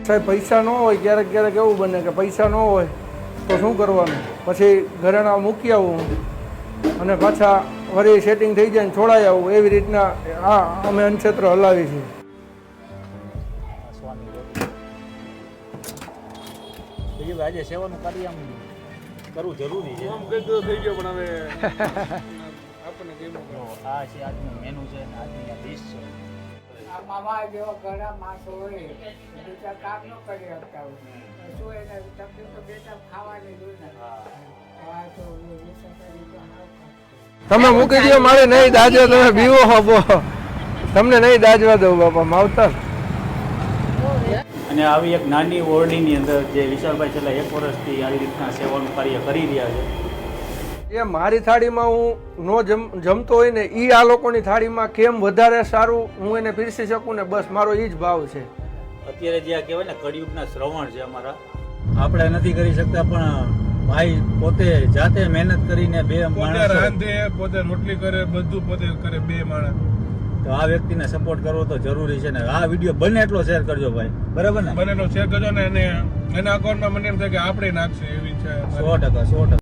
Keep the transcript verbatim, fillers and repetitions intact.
સાહેબ પૈસા ન હોય, ક્યારેક ક્યારેક એવું બને કે પૈસા ન હોય તો શું કરવાનું, પછી ઘરેણા મૂકી આવું અને પાછા વળી સેટિંગ થઈ જાય ને છોડાઈ આવું. એવી રીતના આ અમે અન્નક્ષેત્ર હલાવી છીએ. આજે સેવાનું કાર્ય આમ કરવું જરૂરી છે. થઈ ગયો પણ હવે આપણને કેમ આ છે આજનું મેનુ છે અને આજની આ ડીશ છે. મામા જેવા ઘણા માણસો હોય બીજા કામ ન કરી શકતા હોય શું એને તકલીફ તો બેટા ખાવાની જ હોય ને. આ તો તમે મૂકી દો, મારે નહીં દાજવા, તમે બીવો હો. તમને નહીં દાજવા દઉં બાપા માવતર. અને આવી એક નાની ઓરડીની અંદર જે વિશાલભાઈ છેલ્લા એક વર્ષથી આવી રીતના સેવાનું કાર્ય કરી રહ્યા છે. એ મારી થાળીમાં હું નો જમ જમતો હોય ને એ આ લોકોની થાળીમાં કેમ વધારે સારું હું એને પીરસી શકું ને, બસ મારો એ જ ભાવ છે. અત્યારે જે આ કહેવાય ને કળિયુગના શ્રવણ છે અમારા, આપણે નથી કરી શકતા પણ ભાઈ પોતે જાતે મહેનત કરીને બે પોતે રાંધે, પોતે રોટલી કરે, બધું પોતે કરે, બે માણસ. તો આ વ્યક્તિને સપોર્ટ કરવો તો જરૂરી છે ને. આ વિડીયો બને એટલો શેર કરજો ભાઈ, બરાબર ને? બનેલો શેર કરજો ને એને એના અકાઉન્ટમાં મને એમ થાય કે આપણે નાખશે એવી છે. સો ટકા સો ટકા